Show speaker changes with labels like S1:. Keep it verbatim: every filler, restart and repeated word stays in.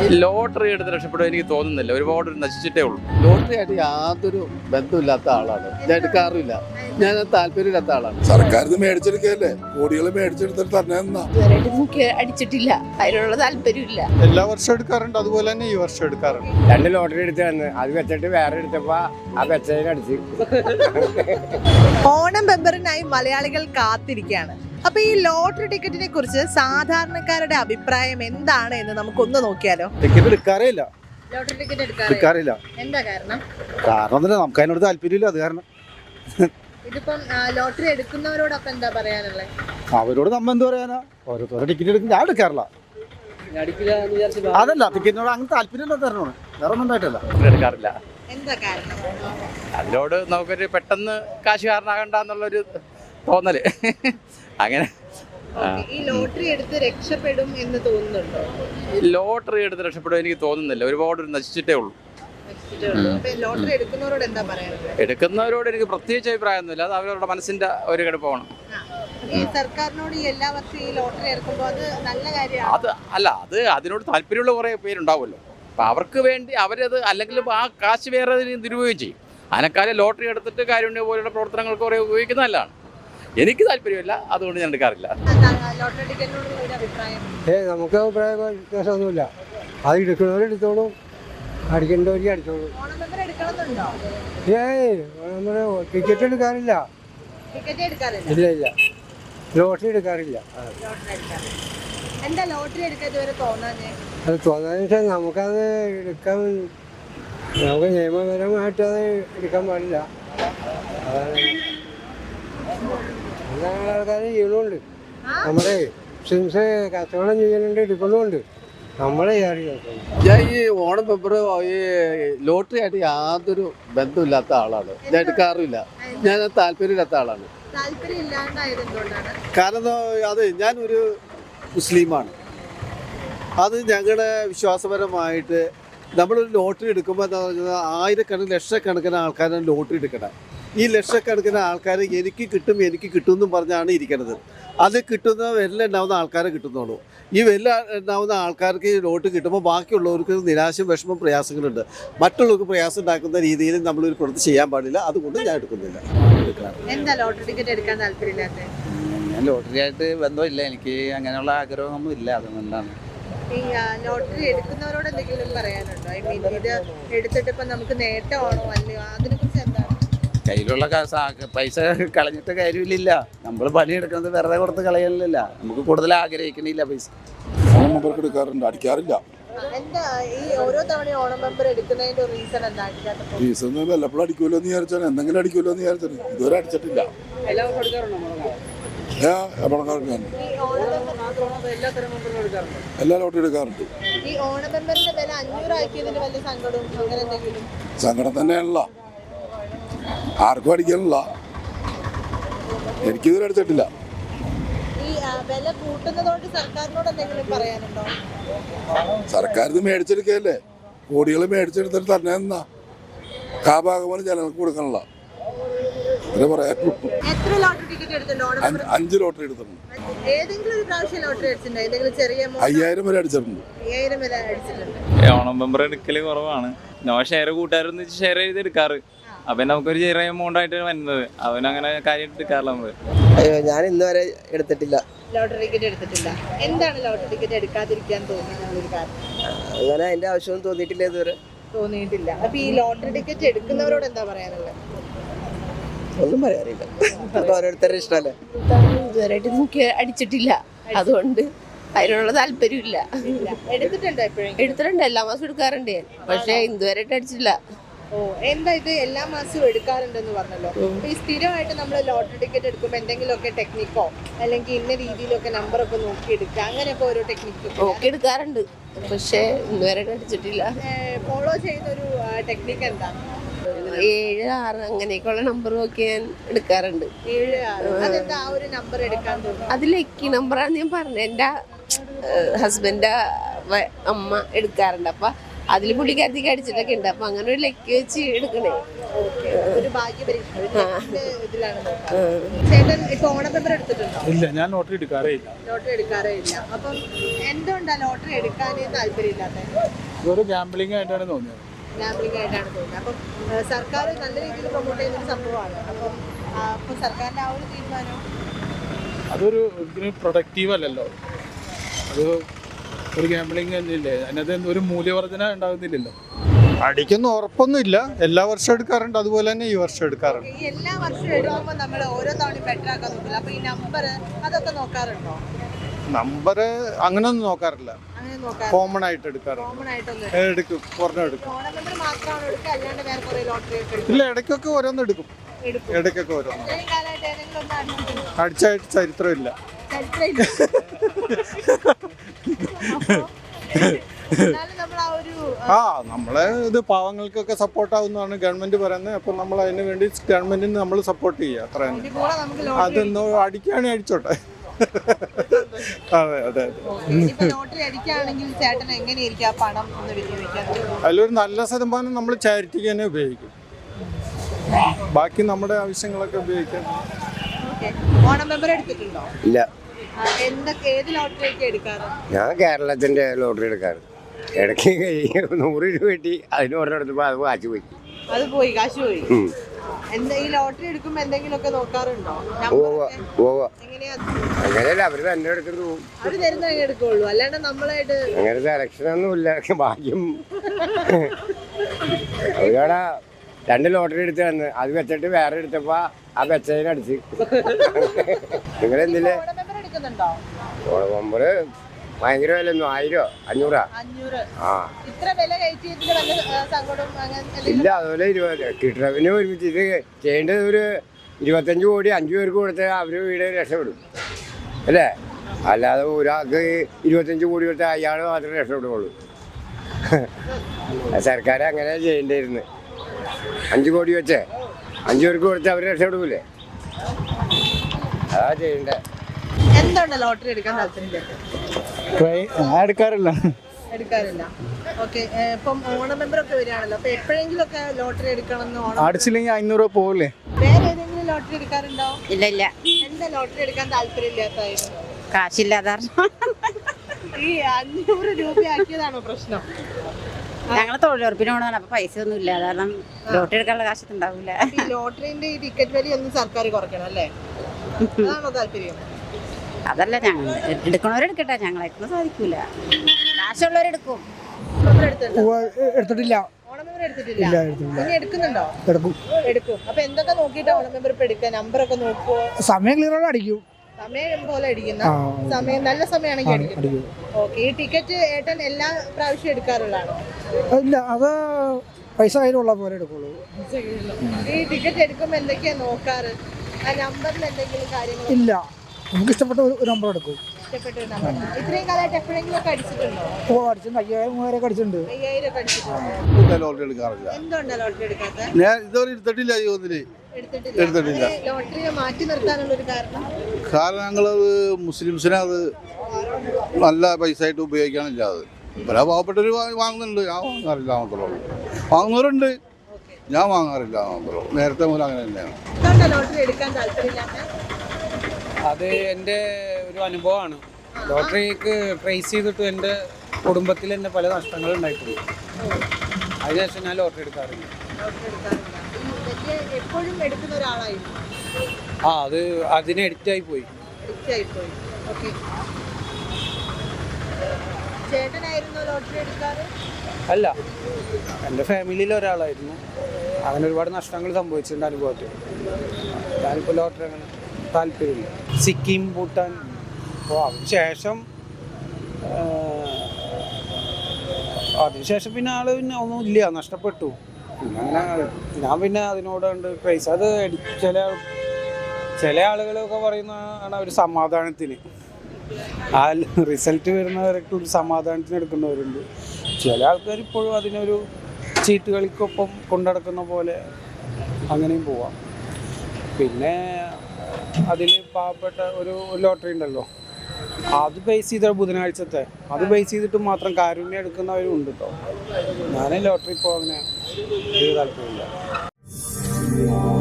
S1: Lottery എടുത്ത് രക്ഷപ്പെടും എനിക്ക് തോന്നുന്നില്ല. ഒരുപാട് നശിച്ചിട്ടേ ഉള്ളൂ.
S2: ലോട്ടറി ആയിട്ട് യാതൊരു ബന്ധമില്ലാത്ത ആളാണ് ഞാൻ. എടുക്കാറില്ല. ഞാൻ താല്പര്യമില്ലാത്ത ആളാണ്.
S3: സർക്കാർ ഇത് മേടിച്ചെടുക്കല്ലേ, കോടികൾ മേടിച്ചെടുത്തിട്ട് തന്നെ
S4: എനിക്ക് അടിച്ചിട്ടില്ല, അതിനുള്ള താല്പര്യമില്ല.
S5: എല്ലാ വർഷവും എടുക്കാറുണ്ട്, അതുപോലെ തന്നെ ഈ വർഷം എടുക്കാറുണ്ട്.
S6: രണ്ട് ലോട്ടറി എടുത്ത് വന്ന് അത് വെച്ചിട്ട് വേറെ എടുത്തപ്പോ ആ വെച്ചതിന് അടിച്ച്.
S7: ഓണം ബമ്പറിനായി മലയാളികൾ കാത്തിരിക്കുകയാണ്. അപ്പൊ ഈ ലോട്ടറി ടിക്കറ്റിനെ കുറിച്ച് സാധാരണക്കാരുടെ അഭിപ്രായം എന്താണ് എന്ന് നമുക്കൊന്ന് നോക്കിയാലോ.
S5: ടിക്കറ്റ് എടുക്കാറേ ഇല്ല,
S7: ലോട്ടറി ടിക്കറ്റ്
S5: എടുക്കാറില്ല.
S7: എന്താ കാരണം?
S5: കാരണം ഒന്നുമില്ല, നമുക്ക് അതിനോട് താല്പര്യമില്ല, അത് കാരണം.
S7: ഇതിപ്പം ലോട്ടറി എടുക്കുന്നവരോടൊപ്പം എന്താ പറയാനുള്ളത്?
S5: അവരോട് നമ്മ എന്ത് പറയാനാ, ഓരോരുത്തരുടെ ടിക്കറ്റ് എടുക്കും. ഞാൻ എടുക്കാറില്ല, അതല്ല ടിക്കറ്റിനോട് അങ്ങനെ താല്പര്യമില്ല, തരണോട് വേറെ ഒന്നും ഉണ്ടായിട്ടില്ല.
S1: എടുക്കാറില്ല.
S7: എന്താ കാരണം?
S1: അതിനോട് നമുക്കൊരു പെട്ടെന്ന് കാശുകാരനാകണ്ട എന്നുള്ളൊരു തോന്നല്. അങ്ങനെ
S7: ഈ ലോട്ടറി എടുത്ത് രക്ഷപ്പെടും എന്ന് തോന്നുന്നുണ്ടോ?
S1: ലോട്ടറി എടുത്ത് രക്ഷപ്പെടും എനിക്ക് തോന്നുന്നില്ല. ഒരുപാട് നശിച്ചിട്ടേ ഉള്ളൂ.
S7: ലോട്ടറി എടുക്കുന്നവരോട് എന്താ പറയാനുള്ളത്?
S1: എടുക്കുന്നവരോട് എനിക്ക് പ്രത്യേകിച്ച് അഭിപ്രായമൊന്നുമില്ല. അത് അവരവരുടെ മനസ്സിന്റെ ഒരു കിടപ്പാണ്.
S7: ഈ സർക്കാരിനോട് ഈ എല്ലാ വർഷവും ഈ ലോട്ടറി ഇറക്കുമ്പോൾ അത് നല്ല കാര്യമാണ്.
S1: അത് അല്ല, അത് അതിനോട് താല്പര്യമുള്ള കുറേ പേരുണ്ടാവുമല്ലോ. അപ്പം അവർക്ക് വേണ്ടി അവരത് അല്ലെങ്കിൽ ആ കാശ് വേറെ ദുരുപയോഗം ചെയ്യും. അതിനെക്കാലം ലോട്ടറി എടുത്തിട്ട് കാരുണ്യ പോലുള്ള പ്രവർത്തനങ്ങൾക്ക് കുറേ ഉപയോഗിക്കുന്നത് നല്ലതാണ്. എനിക്ക് താല്പര്യമില്ല, അതുകൊണ്ട് ഞാൻ എടുക്കാറില്ല.
S7: ലോട്ടറി ടിക്കറ്റിനോടുള്ള ഒരു അഭിപ്രായം?
S6: ഏ നമുക്ക് അഭിപ്രായ വ്യത്യാസമൊന്നുമില്ല. അത് എടുക്കുന്നവരെടുത്തോളും, അടിക്കേണ്ടവർക്ക് അടിച്ചോളും.
S7: ഓണം ബമ്പർ എടുക്കണമെന്നുണ്ടോ?
S6: ഏയ് നമ്മള് ടിക്കറ്റ് എടുക്കാറില്ല.
S7: ടിക്കറ്റ് എടുക്കാറില്ല?
S6: ഇല്ല ഇല്ല, ലോട്ടറി എടുക്കാറില്ല.
S7: ലോട്ടറി എടുക്കാറില്ല. എന്താ ലോട്ടറി എടുക്കാൻ ഇതുവരെ തോന്നാഞ്ഞേ?
S6: അത് തോന്നാന്ന് വെച്ചാൽ നമുക്കത് എടുക്കാൻ, നമുക്ക് നിയമപരമായിട്ട് അത് എടുക്കാൻ പാടില്ല. അതാണ് അങ്ങനെ ആൾക്കാർ ചെയ്യണമുണ്ട്. നമ്മുടെ മുസ്ലിംസ് കച്ചവടം ചെയ്യുന്നുണ്ട്, എടുക്കണമുണ്ട്. നമ്മളെ
S2: ഞാൻ ഈ ഓണം പേപ്പർ ഈ ലോട്ടറി ആയിട്ട് യാതൊരു ബന്ധമില്ലാത്ത ആളാണ് ഞാൻ. എടുക്കാറില്ല. ഞാൻ താല്പര്യമില്ലാത്ത ആളാണ്.
S7: താല്പര്യം ഇല്ലാണ്ടായത് എന്തുകൊണ്ടാണ്?
S2: കാരണം അത് ഞാനൊരു മുസ്ലിമാണ്. അത് ഞങ്ങളുടെ വിശ്വാസപരമായിട്ട് നമ്മളൊരു ലോട്ടറി എടുക്കുമ്പോൾ എന്താ പറഞ്ഞാൽ ആയിരക്കണക്കിന് ലക്ഷക്കണക്കിന് ആൾക്കാരാണ് ലോട്ടറി എടുക്കണം. ഈ ലക്ഷക്കണക്കിന് ആൾക്കാർ എനിക്ക് കിട്ടും എനിക്ക് കിട്ടും എന്നും പറഞ്ഞാണ് ഇരിക്കുന്നത്. അത് കിട്ടുന്ന വെല്ല ഉണ്ടാവുന്ന ആൾക്കാരെ കിട്ടുന്നുള്ളൂ. ഈ വെല്ല ഉണ്ടാവുന്ന ആൾക്കാർക്ക് ഈ ലോട്ട് കിട്ടുമ്പോൾ ബാക്കിയുള്ളവർക്ക് നിരാശയും വിഷമം പ്രയാസങ്ങളുണ്ട്. മറ്റുള്ളവർക്ക് പ്രയാസം ഉണ്ടാക്കുന്ന രീതിയിൽ നമ്മളൊരു പ്രവൃത്തി ചെയ്യാൻ പാടില്ല. അതുകൊണ്ട് ഞാൻ എടുക്കുന്നില്ല.
S7: എന്താ ലോട്ടറി ടിക്കറ്റ് എടുക്കാൻ താല്പര്യമില്ലാത്തത്?
S8: ഞാൻ ലോട്ടറി ആയിട്ട് ബന്ധമില്ല, എനിക്ക് അങ്ങനെയുള്ള ആഗ്രഹമൊന്നും ഇല്ല, അതുകൊണ്ടാണ്.
S7: ഈ ലോട്ടറി എടുക്കുന്നവരോട് എന്തെങ്കിലും പറയാനുണ്ടോ? ഐ മീൻ ഇത് എടുത്തിട്ട് ഇപ്പം നമുക്ക് നേട്ടമാണോ അല്ലയോ, അതിനെ കുറിച്ച് എന്താണ്?
S8: കയ്യിലുള്ള പൈസ കളഞ്ഞിട്ട് കാര്യമില്ല. നമ്മൾ പണിയെടുക്കുന്നത് വെറുതെ കൊടുത്ത് കളയലില്ല. നമുക്ക് കൂടുതൽ ആഗ്രഹിക്കണില്ല പൈസ.
S3: നമ്പർക്ക് എടുക്കാറുണ്ട്, അടിക്കാറില്ല.
S7: എന്താ ഈ ഓരോ തവണ ഓണം മെമ്പർ എടുക്കുന്നതിന്റെ റീസൺ എന്താ?
S3: റീസൺ വല്ലപ്പോഴും അടിക്കുമല്ലോ എന്ന് വിചാരിച്ചാണ്, എന്തെങ്കിലും അടിക്കുമല്ലോ എന്ന് വിചാരിച്ചാണ്. ഇതുവരെ അടിച്ചിട്ടില്ല. എല്ലാ ലോട്ടറി എടുക്കാറുണ്ട്.
S7: ഈ ഓണം മെമ്പറിന്റെ വില അഞ്ഞൂറാക്കിയതിന് വലിയ സങ്കടവും അങ്ങനെ എന്തെങ്കിലും?
S3: സങ്കടം തന്നെയാണല്ല, ആർക്കും അടിക്കാനില്ല. എനിക്കിതുവരെ അടിച്ചിട്ടില്ല.
S7: ഈ വില കൂട്ടുന്നതോട് സർക്കാരിനോട് എന്തെങ്കിലും പറയാനുണ്ടോ?
S3: സർക്കാർ ഇത് മേടിച്ചെടുക്കല്ലേ, കോടികൾ മേടിച്ചെടുത്തിട്ട് തന്നെ എന്നാ കാഭാഗമാണ് ജനങ്ങൾക്ക് കൊടുക്കാനുള്ള. അങ്ങനെ പറയാനുള്ളൂ.
S7: എത്ര ലോട്ടറി ടിക്കറ്റ് എടുത്തിട്ടുണ്ട്?
S3: അഞ്ച് ലോട്ടറി എടുത്തിട്ടുണ്ട്.
S7: ഏതെങ്കിലും ഒരു പ്രാവശ്യം ലോട്ടറി അടിച്ചിട്ടുണ്ടോ? ഏതെങ്കിലും ചെറിയ
S3: അയ്യായിരം വരെ അടിച്ചിട്ടുണ്ട്.
S7: അയ്യായിരം വരെ അടിച്ചിട്ടുണ്ട്.
S9: ഓണം മെമ്പർ എടുക്കല് കുറവാണ്. നോ ഷെയർ കൂട്ടുകാരൊന്ന് ഷെയർ ചെയ്ത് എടുക്കാറ്. അപ്പൊ നമുക്കൊരു ചെറിയ എമൗണ്ട് ആയിട്ട് വരുന്നത്, അവനങ്ങനെ കാര്യമായിട്ട് എടുക്കാറില്ല നമ്മള്.
S10: അയ്യോ, ഞാൻ ഇന്ന് വരെ എടുത്തിട്ടില്ല.
S7: ലോട്ടറി ടിക്കറ്റ് എടുത്തിട്ടില്ല. എന്താണ് ലോട്ടറി ടിക്കറ്റ് എടുക്കാതിരിക്കാൻ തോന്നുന്ന ഒരു കാരണം?
S10: അങ്ങനെ അതിന്റെ ആവശ്യമൊന്നും തോന്നിയിട്ടില്ല ഇതുവരെ.
S7: തോന്നിയിട്ടില്ല. അപ്പൊ ഈ ലോട്ടറി ടിക്കറ്റ് എടുക്കുന്നവരോട് എന്താ പറയാനുള്ളത്?
S10: ഒന്നും പറയാറില്ല, ഓരോരുത്തരുടെ ഇഷ്ടമല്ലേ.
S4: ഇതുവരെയായിട്ട് എനിക്ക് അടിച്ചിട്ടില്ല, അതുകൊണ്ട് അതിനുള്ള താല്പര്യമില്ല.
S7: എടുത്തിട്ടുണ്ടോ എപ്പോഴും?
S4: എടുത്തിട്ടുണ്ട്, എല്ലാ മാസം എടുക്കാറുണ്ട് ഞാൻ, പക്ഷെ ഇതുവരെയായിട്ട് അടിച്ചിട്ടില്ല.
S7: ഓ, എന്താ ഇത് എല്ലാ മാസവും എടുക്കാറുണ്ടെന്ന് പറഞ്ഞല്ലോ. ഈ സ്ഥിരമായിട്ട് നമ്മൾ ലോട്ടറി ടിക്കറ്റ് എടുക്കുമ്പോൾ എന്തെങ്കിലുമൊക്കെ ടെക്നിക്കോ അല്ലെങ്കിൽ ഇന്ന രീതിയിലൊക്കെ നമ്പറൊക്കെ നോക്കി എടുക്കുക, അങ്ങനെയൊക്കെ ഓരോ ടെക്നിക്ക്
S4: നോക്കി എടുക്കാറുണ്ട്, പക്ഷെ ഇതുവരെയായിട്ട് അടിച്ചിട്ടില്ല.
S7: ഫോളോ ചെയ്യുന്ന ഒരു ടെക്നിക്ക് എന്താ?
S4: ഏഴ് ആറ് അങ്ങനെയൊക്കെയുള്ള നമ്പർ നോക്കി ഞാൻ എടുക്കാറുണ്ട്.
S7: ഏഴ് ആറ്, അതെന്താ ആ ഒരു നമ്പർ എടുക്കാൻ തോന്നുന്നു?
S4: അത് ലക്കി നമ്പറാണ് ഞാൻ പറഞ്ഞത്. എൻ്റെ ഹസ്ബൻഡ് അമ്മ എടുക്കാറുണ്ട്. അപ്പം അതിൽ പുള്ളിക്കാരത്തേക്ക് അടിച്ചിട്ടൊക്കെ ഉണ്ട്. അപ്പൊ അങ്ങനെ ഒരു ലക്കി വെച്ച് എടുക്കണേ.
S7: ഒരു ഭാഗ്യ പരീക്ഷ ഒരു ടെസ്റ്റിന്റെ ഇതിലാണ് നോക്കുന്നത്. ചേട്ടൻ ഇപ്പൊ ഓണം പേപ്പർ എടുത്തിട്ടുണ്ടോ?
S5: ഇല്ല, ഞാൻ ലോട്ടറി എടുക്കാറേ ഇല്ല.
S7: ലോട്ടറി എടുക്കാറേ ഇല്ല. അപ്പം എന്തുകൊണ്ടാ ലോട്ടറി എടുക്കാൻ താല്പര്യമില്ലാത്തത്?
S5: ഇതൊരു ഗാംബ്ലിംഗ് ആയിട്ടാണ് തോന്നിയത്.
S7: ഗാംബ്ലിംഗ് ആയിട്ടാണ് തോന്നുന്നത്. അപ്പം ഏഹ്, സർക്കാർ നല്ല രീതിയിൽ പ്രൊമോട്ട് ചെയ്യുന്ന ഒരു സംഭവമാണ്. അപ്പം ആ, അപ്പൊ സർക്കാരിന്റെ ആ ഒരു തീരുമാനം
S5: അതൊരു ഒരിക്കലും പ്രൊഡക്റ്റീവ് അല്ലല്ലോ. അത് ഒരു ഗാംബ്ലിംഗ് തന്നെയല്ലേ, അതിനകത്ത് ഒരു മൂല്യവർധന ഉണ്ടാകുന്നില്ലല്ലോ. അടിക്കുന്ന ഉറപ്പൊന്നുമില്ല. എല്ലാ വർഷവും എടുക്കാറുണ്ട്, അതുപോലെ തന്നെ ഈ വർഷം എടുക്കാറുണ്ട്.
S7: ഈ എല്ലാ വർഷവും എടുക്കുമ്പോൾ നമ്മൾ ഓരോ തവണയും ബെറ്റർ ആക്കാൻ നോക്കില്ല. അപ്പൊ ഈ നമ്പർ അതൊക്കെ നോക്കാറുണ്ടോ?
S5: നമ്പർ അങ്ങനെയൊന്നും നോക്കാറില്ല,
S7: അങ്ങനെ നോക്കാറ്
S5: കോമൺ ആയിട്ട് എടുക്കാറുണ്ട്.
S7: കോമൺ ആയിട്ടൊന്നും
S5: എടുക്കും, ഒരെണ്ണം എടുക്കും.
S7: ഓണം നമ്പർ മാത്രമാണ് എടുക്കുക, അല്ലാണ്ട് വേറെ കുറെ ലോട്ടറി ഒക്കെ എടുക്കും.
S5: ഇല്ല, ഇടയ്ക്കൊക്കെ ഓരോന്ന് എടുക്കും.
S7: എടുക്കും.
S5: ഇടയ്ക്കൊക്കെ ഓരോന്ന്
S7: ഇത്രയും കാലമായിട്ട് ഏതെങ്കിലും ഒന്ന് അടിച്ചിട്ടുണ്ടോ?
S5: അടിച്ചായിട്ട് ചരിത്രമില്ല.
S7: ചരിത്രമില്ല. അപ്പൊ എന്നാലും നമ്മൾ ആ ഒരു
S5: ആ നമ്മളെ ഇത് പാവങ്ങൾക്കൊക്കെ സപ്പോർട്ട് ആവുന്നതാണ് ഗവൺമെന്റ് പറയുന്നത്. അപ്പോൾ നമ്മൾ അതിന് വേണ്ടി ഗവൺമെന്റിന് നമ്മൾ സപ്പോർട്ട് ചെയ്യുക, അത്ര തന്നെ.
S7: ഇതിന്റെ കൂടെ നമുക്ക് ലോട്ടറി
S5: അതൊന്ന് അടിക്കുകയാണെങ്കിൽ അടിച്ചോട്ടെ. അതെ അതെ അതെ.
S7: ഇപ്പൊ ലോട്ടറി അടിക്കുകയാണെങ്കിൽ ചേട്ടൻ എങ്ങനെയായിരിക്കും ആ പണം ഒന്ന് വിനിയോഗിക്കാൻ?
S5: അതിലൊരു നല്ല ശതമാനം നമ്മൾ ചാരിറ്റിക്ക് തന്നെ ഉപയോഗിക്കും, ബാക്കി നമ്മുടെ ആവശ്യങ്ങളൊക്കെ ഉപയോഗിക്കാം.
S7: ഓക്കെ. ഓണം മെമ്പർ എടുത്തിട്ടുണ്ടോ?
S10: ഇല്ല,
S7: ആ, എന്തൊക്കെ ഏത് ലോട്ടറി ഒക്കെ എടുക്കാറ്?
S6: ഞാൻ കേരളത്തിന്റെ ലോട്ടറി എടുക്കാറ്. ഇടയ്ക്ക് നൂറ് രൂപ കിട്ടി, അതിന് ഒരെണ്ണം എടുത്തപ്പോൾ അത് വാച്ച് പോയി.
S7: അത് പോയി, കാശ് പോയി.
S6: ഉം.
S7: എന്താ ഈ ലോട്ടറി എടുക്കുമ്പോ എന്തെങ്കിലും ഒക്കെ നോക്കാറുണ്ടോ?
S6: ഉവ്വ്
S7: നമ്പറൊക്കെ
S6: ഉവ്വ്.
S7: എങ്ങനെയാ?
S6: അങ്ങനെയല്ല, അവര് തന്നെ എടുത്തിട്ട് പോകും.
S7: അവര് തരുന്ന എടുക്കുള്ളൂ, അല്ലാണ്ട് നമ്മളായിട്ട്
S6: അങ്ങനെ സെലക്ഷനൊന്നും ഇല്ല, ഭാഗ്യം. അവരാണ് രണ്ട് ലോട്ടറി എടുത്ത് തന്ന്, അത് വെച്ചിട്ട് വേറെ എടുത്തപ്പോ ആ വെച്ചതിനടിച്ച്. നിങ്ങൾ എന്തില്ലേ
S7: ഓണം മെമ്പർ എടുക്കുന്നുണ്ടോ?
S6: നമ്പറ് ഭയങ്കര വില ഒന്നും, ആയിരോ അഞ്ഞൂറാ?
S7: അഞ്ഞൂറ്.
S6: ആ
S7: ഇത്ര വില കയറ്റിയതിന് വല്ല ആ, സങ്കടവും അങ്ങനെ എന്തെങ്കിലും?
S6: ഇല്ല, അതുപോലെ ഇരുപത് കിട്ടണവിന് ഒരുമിച്ച് ഇത് ചെയ്യേണ്ടത് ഒരു ഇരുപത്തഞ്ച് കോടി അഞ്ചു പേർക്ക് കൊടുത്താൽ അവർ വീട് രക്ഷപ്പെടും അല്ലേ? അല്ലാതെ ഒരാൾക്ക് ഇരുപത്തഞ്ച് കോടി കൊടുത്താൽ അയാൾ മാത്രമേ രക്ഷപ്പെടുകയുള്ളൂ. സർക്കാർ അങ്ങനെ ചെയ്യേണ്ടിയിരുന്നു. അഞ്ച് കോടി വെച്ചേ അഞ്ചു പേർക്ക് കൊടുത്താൽ അവർ രക്ഷപ്പെടൂലേ? അതാ ചെയ്യണ്ടേ.
S7: എന്തുകൊണ്ട് ലോട്ടറി എടുക്കാൻ താല്പര്യം?
S5: ഞാൻ എടുക്കാറില്ല.
S7: എടുക്കാറില്ല. ഓക്കെ. ഇപ്പം ഓണം മെമ്പർ ഒക്കെ വരികയാണല്ലോ, അപ്പൊ എപ്പോഴെങ്കിലും ഒക്കെ ലോട്ടറി എടുക്കണം എന്ന് ഓണം
S5: അടിച്ചില്ലെങ്കിൽ അഞ്ഞൂറ് രൂപ പോകില്ലേ?
S7: വേറെ ഏതെങ്കിലും ലോട്ടറി എടുക്കാറുണ്ടോ?
S4: ഇല്ല ഇല്ല,
S7: എന്താ ലോട്ടറി എടുക്കാൻ താല്പര്യമില്ലാത്തായിരുന്നു?
S4: കാശില്ലാതെ
S7: ഈ അഞ്ഞൂറ് രൂപ ആക്കിയതാണോ പ്രശ്നം?
S4: ഞങ്ങൾ തൊഴിലുറപ്പിന് പോകണമെന്ന്. അപ്പൊ പൈസ ഒന്നും ഇല്ല, കാരണം ലോട്ടറി എടുക്കാനുള്ള കാശൊന്നും ഉണ്ടാവില്ല.
S7: ഈ ലോട്ടറിന്റെ ഈ ടിക്കറ്റ് വില ഒന്നും സർക്കാർ കുറയ്ക്കണം അല്ലേ? അതാണോ താല്പര്യം?
S4: അതല്ല, ഞങ്ങൾ എടുക്കണവരെടുക്കട്ടെ, ഞങ്ങളെക്കൊണ്ട് സാധിക്കൂല. കാശുള്ളവരെടുക്കും.
S7: മെമ്പർ എടുത്തിട്ടുണ്ടോ?
S5: എടുത്തിട്ടില്ല.
S7: ഓണം മെമ്പർ എടുത്തിട്ടില്ല. ഇനി എടുക്കുന്നുണ്ടോ?
S5: എടുക്കും.
S7: എടുക്കും. അപ്പൊ എന്തൊക്കെ നോക്കിയിട്ടാ ഓണം മെമ്പർ ഇപ്പൊ എടുക്കുക? നമ്പറൊക്കെ നോക്കുവോ?
S5: സമയം ക്ലിയർ അടിക്കും.
S7: സമയം പോലെ അടിക്കുന്ന സമയം നല്ല സമയമാണെങ്കിൽ അടിക്കും. ഓക്കെ. ഈ ടിക്കറ്റ് ഏട്ടൻ എല്ലാ പ്രാവശ്യം എടുക്കാറുള്ളതാണോ?
S5: ഇല്ല, അത് പൈസ കയ്യിലുള്ള പോലെ എടുക്കുള്ളൂ.
S7: ഈ ടിക്കറ്റ് എടുക്കുമ്പോ എന്തൊക്കെയാ നോക്കാറ്? ആ നമ്പറിൽ എന്തെങ്കിലും കാര്യങ്ങൾ?
S5: ഇല്ല, നമുക്ക് ഇഷ്ടപ്പെട്ട ഒരു നമ്പർ എടുക്കും.
S7: ഇഷ്ടപ്പെട്ട ഒരു നമ്പർ. ഇത്രയും കാലമായിട്ട് എപ്പോഴെങ്കിലും ഒക്കെ അടിച്ചിട്ടുണ്ടോ?
S5: ഓ, അടിച്ചിട്ടുണ്ട്. അയ്യായിരം മൂവായിരം ഒക്കെ അടിച്ചിട്ടുണ്ട്.
S7: അയ്യായിരം ഒക്കെ അടിച്ചിട്ടുണ്ടോ?
S2: ലോട്ടറി എടുക്കാറില്ല.
S7: എന്തുകൊണ്ടാ ലോട്ടറി എടുക്കാത്ത?
S2: ഞാൻ ഇതുവരെ എടുത്തിട്ടില്ല ജീവിതത്തില്.
S7: എടുത്തിട്ടില്ല.
S2: എടുത്തിട്ടില്ല.
S7: അങ്ങനെ ലോട്ടറിയെ മാറ്റി നിർത്താനുള്ള ഒരു കാരണം?
S2: കാരണം ഞങ്ങളത് മുസ്ലിംസിനെ അത് നല്ല പൈസ ആയിട്ട് ഉപയോഗിക്കാനില്ല. അത് ഇവരെ പാവപ്പെട്ടവർ വാങ്ങുന്നുണ്ട്, ഞാൻ വാങ്ങാറില്ല മാത്രമേ ഉള്ളൂ. വാങ്ങുന്നവരുണ്ട്, ഞാൻ വാങ്ങാറില്ല മാത്രമേ ഉള്ളൂ. നേരത്തെ മുതൽ അങ്ങനെ തന്നെയാണ്.
S7: എന്തുകൊണ്ടാ ലോട്ടറി എടുക്കാൻ താല്പര്യമില്ലാത്ത?
S11: അത് എൻ്റെ ഒരു അനുഭവമാണ്. ലോട്ടറിക്ക് ട്രേസ് ചെയ്തിട്ട് എൻ്റെ കുടുംബത്തിൽ തന്നെ പല നഷ്ടങ്ങളും ഉണ്ടായിട്ടുണ്ട്. അതിനുശേഷം ഞാൻ ലോട്ടറി എടുക്കാറില്ല.
S7: ലോട്ടറി എടുക്കാറില്ല. ഈ വലിയ എപ്പോഴും എടുക്കുന്ന ഒരാളായിരുന്നു.
S11: ആ അത് അതിന് എഡിക്റ്റായി പോയി.
S7: പോയി. ഓക്കെ. ചേട്ടനായിരുന്നോ ലോട്ടറി എടുക്കാറ്?
S11: അല്ല, എൻ്റെ ഫാമിലിയിൽ ഒരാളായിരുന്നു. അങ്ങനെ ഒരുപാട് നഷ്ടങ്ങൾ സംഭവിച്ചിട്ടുണ്ട് അനുഭവത്തിൽ. ഞാനിപ്പോൾ ലോട്ടറി അങ്ങനെ താല്പര്യമില്ല. സിക്കിം, ഭൂട്ടാൻ. അപ്പോൾ അതിനുശേഷം അതിനുശേഷം പിന്നെ ആള് പിന്നെ ഒന്നും ഇല്ല, നഷ്ടപ്പെട്ടു. പിന്നെ അങ്ങനെ ഞാൻ പിന്നെ അതിനോടുണ്ട് ക്രൈസ്. അത് ചില ചില ആളുകളൊക്കെ പറയുന്നതാണ് ഒരു സമാധാനത്തിന്, ആ റിസൾട്ട് വരുന്നവരൊക്കെ ഒരു സമാധാനത്തിന് എടുക്കുന്നവരുണ്ട്. ചില ആൾക്കാർ ഇപ്പോഴും അതിനൊരു ചീട്ട് കളിക്കൊപ്പം കൊണ്ടുനടക്കുന്ന പോലെ അങ്ങനെയും പോവാം. പിന്നെ അതിൽ പാവപ്പെട്ട ഒരു ലോട്ടറി ഉണ്ടല്ലോ, അത് ബേസ് ചെയ്ത ബുധനാഴ്ചത്തെ അത് ബേസ് ചെയ്തിട്ട് മാത്രം കാരുണ്യം എടുക്കുന്നവരും ഉണ്ട് കേട്ടോ. ഞാൻ ലോട്ടറി ഇപ്പോൾ അങ്ങനെ ഒരു താല്പര്യമില്ല.